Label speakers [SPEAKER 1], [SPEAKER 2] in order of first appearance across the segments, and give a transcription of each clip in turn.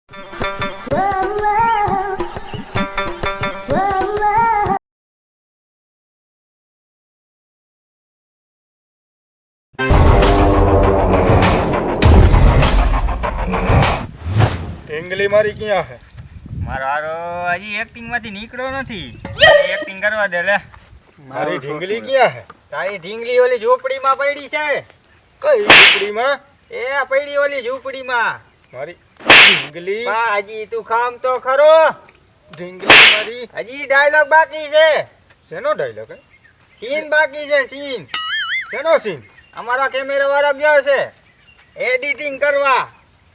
[SPEAKER 1] ઢીંગલી મારી ક્યાં હે?
[SPEAKER 2] મારો હારો હજી એક્ટિંગ માંથી નીકળ્યો નથી. એક્ટિંગ કરવા દે લે.
[SPEAKER 1] મારી ઢીંગલી ક્યાં હે?
[SPEAKER 2] તારી ઢીંગલી ઓલી ઝૂંપડીમાં પડી છે.
[SPEAKER 1] કઈ ઝૂંપડીમાં?
[SPEAKER 2] એ પડી ઓલી ઝૂંપડીમાં.
[SPEAKER 1] મારી ઢીંગલી
[SPEAKER 2] હજી તું ખામ તો ખરો.
[SPEAKER 1] ઢીંગલી મારી
[SPEAKER 2] હજી ડાયલોગ બાકી છે.
[SPEAKER 1] શેનો ડાયલોગ હે?
[SPEAKER 2] સીન બાકી છે. સીન
[SPEAKER 1] શેનો સીન?
[SPEAKER 2] અમારા કેમેરા વાળા ગયો છે એડિટિંગ કરવા.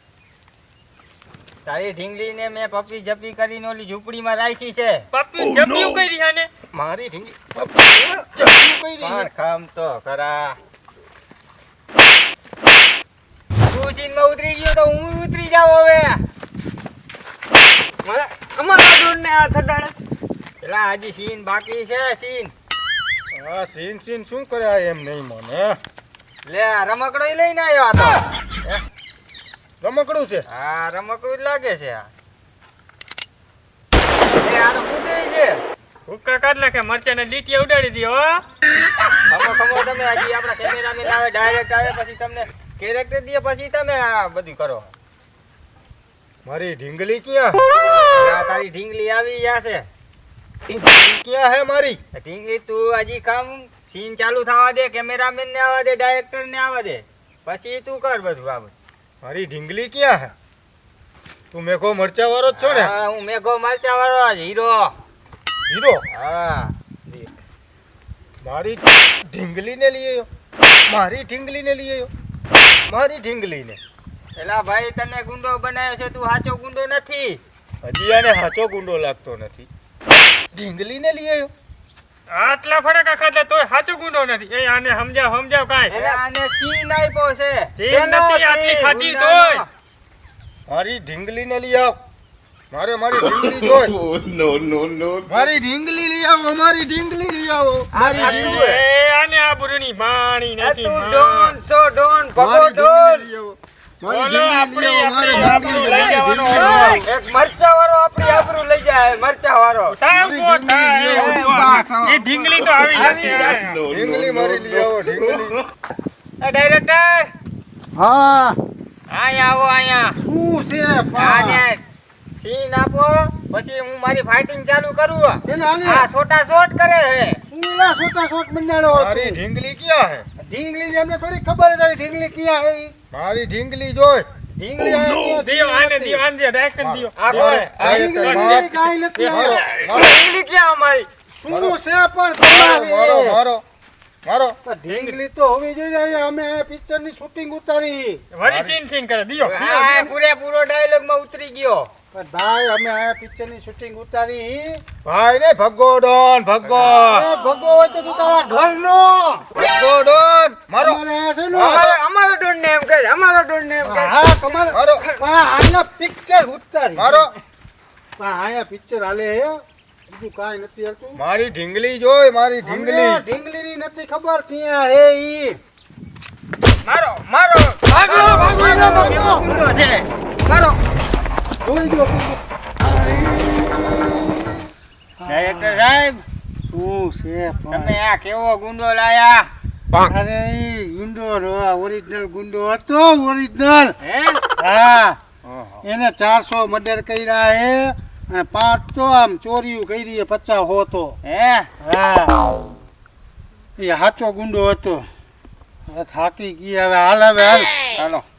[SPEAKER 2] તારી ઢીંગલીને મેં પપ્પી જપ્પી કરીને ઓલી ઝૂંપડીમાં રાખી છે.
[SPEAKER 3] પપ્પી જપ્પી કરી હાને
[SPEAKER 1] મારી ઢીંગલી જપ્પી કઈ
[SPEAKER 2] પણ
[SPEAKER 1] રહી?
[SPEAKER 2] ખામ તો ખરા. તું સીનમાં ઉતરી ગયો તો હું ઉતરી જાવ હવે.
[SPEAKER 3] અમારા ડોરને આ થડાડે.
[SPEAKER 2] પેલા હજી સીન બાકી છે. સીન
[SPEAKER 1] આ સીન શું કરે આ એમ નહીં મને.
[SPEAKER 2] લે રમકડો લઈને આવ્યો આ તો.
[SPEAKER 1] રમકડું છે?
[SPEAKER 2] હા રમકડું જ લાગે છે આ. એ આ તો ફૂટે છે.
[SPEAKER 3] હુક્કા કાઢ નાખે મરચાને લીટીયા ઉડાડી દે હો.
[SPEAKER 2] ખમો તમે હજી આપણા કેમેરામેન આવે ડાયરેક્ટ આવે પછી તમને કેરેક્ટર દે પછી તમે આ બધું કરો.
[SPEAKER 1] મારી ઢીંગલી ક્યાં?
[SPEAKER 2] આ તારી ઢીંગલી આવી ગયા છે.
[SPEAKER 1] ઢીંગલી ક્યાં હે મારી?
[SPEAKER 2] ઢીંગલી તું હજી કામ સીન ચાલુ થવા દે, કેમેરામેન ને આવવા દે, ડાયરેક્ટર ને આવવા દે, પછી તું કર બધું આ બધું.
[SPEAKER 1] મારી ઢીંગલી ક્યાં હે? તું મેઘો મરચા વાળો જ છો ને?
[SPEAKER 2] હા હું મેઘો મરચા વાળો હીરો.
[SPEAKER 1] હીરો?
[SPEAKER 2] હા
[SPEAKER 1] મારી ઢીંગલીને લઈ આવ્યો? મારી ઢીંગલીને લઈ આવ્યો? મારી ઢીંગલીને?
[SPEAKER 2] એલા ભાઈ તને ગુંડો બનાવ્યો છે, તું સાચો ગુંડો નથી.
[SPEAKER 1] હજી આને સાચો ગુંડો લાગતો નથી. ઢીંગલીને લઈ આવ્યો?
[SPEAKER 3] આટલા ફડકા ખાધા તોય સાચો ગુંડો નથી. એ આને સમજાવ કાંઈ.
[SPEAKER 2] એલા આને સીન આપ્યો છે.
[SPEAKER 3] સીન નથી આટલી ખાધી તોય.
[SPEAKER 1] મારી ઢીંગલીને લઈ આવ. મારી ઢીંગલી જોઈ. મારી ઢીંગલી લઈ આવો. મારી ઢીંગલી લઈ આવો. મારી ઢીંગલી.
[SPEAKER 3] એ આને આબરૂની પાણી
[SPEAKER 2] એ
[SPEAKER 3] નથી.
[SPEAKER 2] તું ડોન સો ડોન ભગો
[SPEAKER 1] મારી
[SPEAKER 2] ડોન.
[SPEAKER 1] ઢીંગલી લઈ આવો. મારી
[SPEAKER 3] બોલો,
[SPEAKER 1] ઢીંગલી લઈ આવો. મારી
[SPEAKER 3] આપણી
[SPEAKER 1] ઢીંગલી
[SPEAKER 3] લઈ જવાનો.
[SPEAKER 1] ઢીંગલી.
[SPEAKER 2] એક મરચા વાળો આપણી આબરૂ લઈ જાય. મરચા વાળો
[SPEAKER 3] થાય ઉભો થાય.
[SPEAKER 2] ઉભા થાવ.
[SPEAKER 3] એ ઢીંગલી તો આવી
[SPEAKER 2] આવી
[SPEAKER 3] જશે.
[SPEAKER 2] જાય.
[SPEAKER 1] ઢીંગલી મારી લઈ આવો. ઢીંગલી.
[SPEAKER 2] એ ડાયરેક્ટર
[SPEAKER 1] હા
[SPEAKER 2] અહીંયા આવો. અહીંયા
[SPEAKER 1] શું છે?
[SPEAKER 2] આને સીન આપો પછી હું મારી ફાઇટિંગ ચાલુ કરું.
[SPEAKER 1] એને આને
[SPEAKER 2] આ છોટા શોટ કરે હે.
[SPEAKER 1] સુલા છોટા છોટ મંડાણો. મારી ઢીંગલી ક્યાં હે? ઢીંગલી ને અમને થોડી ખબર હતી ઢીંગલી ક્યાં હે. મારી ઢીંગલી જોઈ. ઢીંગલી આયા
[SPEAKER 3] દિયો આને દિયો આને દિયો ડાયરેક્ટ દિયો.
[SPEAKER 2] આ કોણ?
[SPEAKER 1] ઢીંગલી કાઈ નથી.
[SPEAKER 2] ઢીંગલી ક્યાં અમારી?
[SPEAKER 1] શું છે પણ તમારી? મારો ઢીંગલી તો હોવી જોઈએ. અમે પિક્ચર ની શૂટિંગ ઉતારી.
[SPEAKER 3] વળી સીન કરે દિયો.
[SPEAKER 2] આ પૂરેપૂરો ડાયલોગ માં ઉતરી ગયો.
[SPEAKER 1] પણ ભાઈ અમે આ પિક્ચર ની શૂટિંગ ઉતારી. ભાઈ ને ભગો ડોન ભગો. ભગો હોય તો તું તારા ઘર નો ભગો ડોન. મારો
[SPEAKER 2] અમારો ડોન ને એમ કહે. અમારો ડોન ને એમ કહે.
[SPEAKER 1] હા તમારો આના પિક્ચર ઉતારી. મારો આયા પિક્ચર હાલે હે. બીજું કાઈ નથી હાલતું. મારી ઢીંગલી જોઈ. મારી ઢીંગલી ની નથી ખબર ક્યાં હે ઈ.
[SPEAKER 2] મારો મારો
[SPEAKER 1] ભાગો
[SPEAKER 2] કેવો ગુંડો છે. મારો
[SPEAKER 1] જોઈ જો.
[SPEAKER 2] ડાયરેક્ટર સાહેબ
[SPEAKER 1] શું છે
[SPEAKER 2] તમે આ કેવો ગુંડો લાયા?
[SPEAKER 1] અરે ઈ ગુંડો ઓરિજિનલ ગુંડો હતો. ઓરિજિનલ.
[SPEAKER 2] હે
[SPEAKER 1] હા એને 400 મર્ડર કર્યા હે અને 5 તો આમ ચોરીઓ કરી હે. 50 હોતો.
[SPEAKER 2] હે
[SPEAKER 1] હા એ સાચો ગુંડો હતો. થાકી ગયા. હવે હાલ
[SPEAKER 2] હાલો